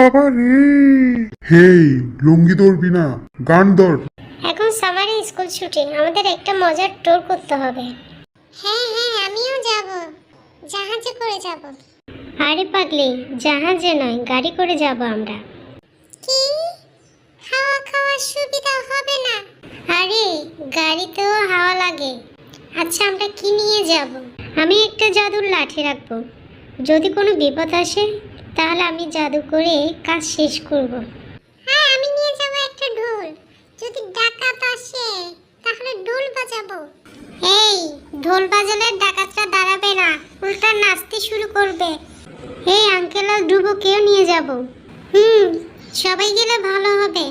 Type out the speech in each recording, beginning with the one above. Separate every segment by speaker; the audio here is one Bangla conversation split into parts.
Speaker 1: বাবা রে! হেই, লুঙ্গি ধরবি না, গান ধর।
Speaker 2: এখন সামারে স্কুল ছুটি, আমাদের একটা মজার ট্যুর করতে হবে।
Speaker 3: হ্যাঁ হ্যাঁ, আমিও যাব, জাহাজে করে যাব।
Speaker 2: আরে পাগলি, জাহাজে নয়, গাড়ি করে যাব আমরা।
Speaker 3: কি? খাওয়া খাওয়ার সুবিধা হবে না?
Speaker 2: আরে গাড়িতেও হাওয়া লাগে। আচ্ছা আমরা কি নিয়ে যাব? আমি একটা জাদুর লাঠি রাখবো, যদি কোনো বিপদ আসে তাহলে আমি জাদু করে কাজ শেষ করব।
Speaker 3: হ্যাঁ, আমি নিয়ে যাব একটা ঢোল, যদি ডাকাত আসে তাহলে ঢোল বাজাবো।
Speaker 2: এই ঢোল বাজালে ডাকাতরা দাঁড়াবে না, উল্টা নাচতে শুরু করবে। এই আঙ্কেল আর ধ্রুবকেও নিয়ে যাব। সবাই গেলে ভালো হবে।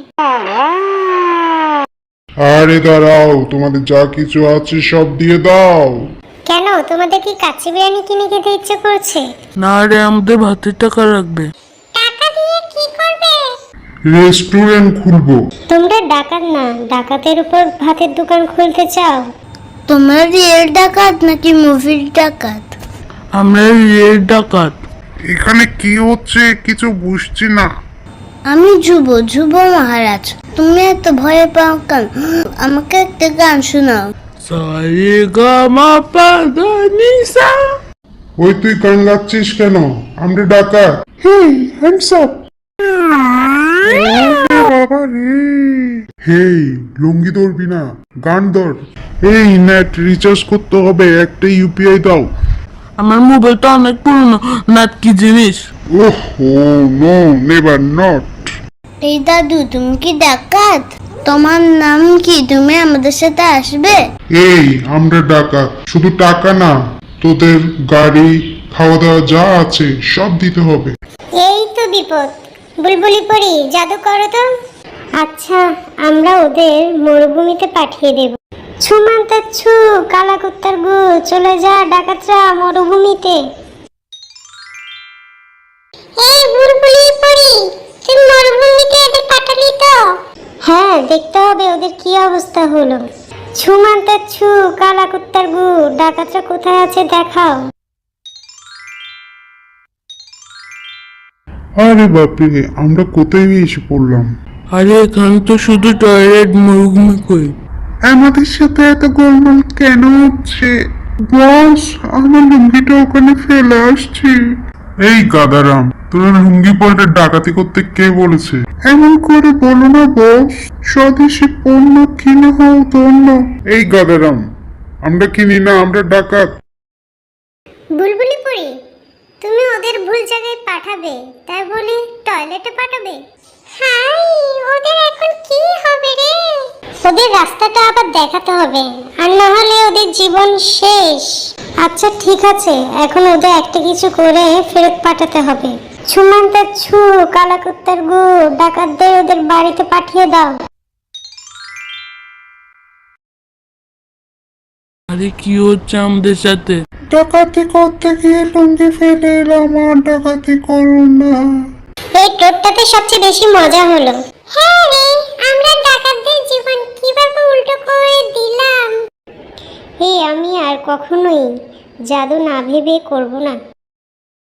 Speaker 1: আরে দাঁড়াও, তোমাদের যা কিছু আছে সব দিয়ে দাও।
Speaker 2: কেন, তোমাদের কি কাচ্চি বিরিয়ানি কিনে খেতে ইচ্ছে করছে?
Speaker 4: না রে, আমাদের ভাতের টাকা রাখবে।
Speaker 3: টাকা দিয়ে কি করবে?
Speaker 1: রেস্টুরেন্ট খুলবো।
Speaker 2: তোমরা ডাকাত না, ডাকাতের উপর ভাতের দোকান খুলতে চাও?
Speaker 5: তোমরা রিয়েল ডাকাত নাকি মুভির ডাকাত?
Speaker 4: আমরা রিয়েল ডাকাত।
Speaker 1: এখানে কি হচ্ছে কিছু বুঝছি না।
Speaker 5: আমি ধ্রুব মহারাজ। তুমি এত ভয় পাও কেন? আমাকে একটা গান শোনাও।
Speaker 4: সারে গা মা পা ধা নি সা।
Speaker 1: ওই তুই গান গাচ্ছিস কেন? আমরা ডাকাত। Hey, hands up. বাবা রে! হেই, লুঙ্গি ধরবি না, গান ধর। এই নেট রিচার্জ করতে হবে, একটা ইউপিআই দাও।
Speaker 4: আমার মোবাইলটা অনেক পুরনো, নাট কি জিনিস?
Speaker 1: ওহো, নো, নেভার নট।
Speaker 5: এই দাদু, তুমি কি ডাকাত? তোমার নাম কি? তুমি আমাদের সাথে আসবে?
Speaker 1: এই আমরা ডাকাত, শুধু টাকা না, তোদের গাড়ি, খাওয়া দাওয়া যা আছে সব দিতে হবে।
Speaker 2: এই তো বিপদ। বুলবুলি পরি, জাদু করো তো। আচ্ছা, আমরা ওদের মরুভূমিতে পাঠিয়ে দেব। ছুমান্তা ছু, কালা কুত্তার গু, চলে যা ডাকাতরা মরুভূমিতে।
Speaker 3: এই বুলবুলি পরি, তুমি মরুভূমিতে এদের পাঠালি তো?
Speaker 2: হ্যাঁ, দেখতে হবে ওদের কি অবস্থা হলো। ছুমান্তা ছু, কালা কুত্তার গু, ডাকাতরা কোথায় আছে দেখাও।
Speaker 1: আরে বাপরে, আমরা কোথায় এসে পড়লাম?
Speaker 4: আরে এখানে তো শুধু টয়লেট, মরুভূমি কই।
Speaker 1: আমাদের সাথে এত গোলমাল কেন হচ্ছে? বস, আমার লুঙ্গিটা ওখানে ফেলে আসছি। এই গাদারাম, তোর লুঙ্গি পরে ডাকাতি করতে কে বলেছে? এমন করে বলো না বস, স্বদেশি পণ্য কিনে হও ধন্য। এই গাদারাম, আমরা কিনি না, আমরা ডাকাত।
Speaker 2: বুলবুলি পরি, তুমি ওদের ভুল জায়গায় পাঠাবে, তাই বলি টয়লেটে পাঠাবে?
Speaker 3: হাই, ওদের এখন কি হবে রে?
Speaker 2: ওদের রাস্তাটা আবার দেখাতে হবে, আর না হলে ওদের জীবন শেষ। আচ্ছা ঠিক আছে, এখন ওদের একটা কিছু করে ফেরত পাঠাতে হবে। ছুমান্তার ছু, কালা কুত্তার গু, ডাকাতদের ওদের বাড়িতে পাঠিয়ে দাও।
Speaker 4: আরে কি হচ্ছে আমাদের সাথে?
Speaker 1: ডাকাতি করতে গিয়ে লুঙ্গি ফেলে এলাম, আর ডাকাতি করো না।
Speaker 2: এই টোটটাতে সবচেয়ে বেশি মজা হলো।
Speaker 3: হ্যাঁ রে, আমরা ডাকাতদের জীবন কিভাবে উল্টো করে দিলাম।
Speaker 2: এই আমি আর কখনোই জাদু না ভেবে করব না।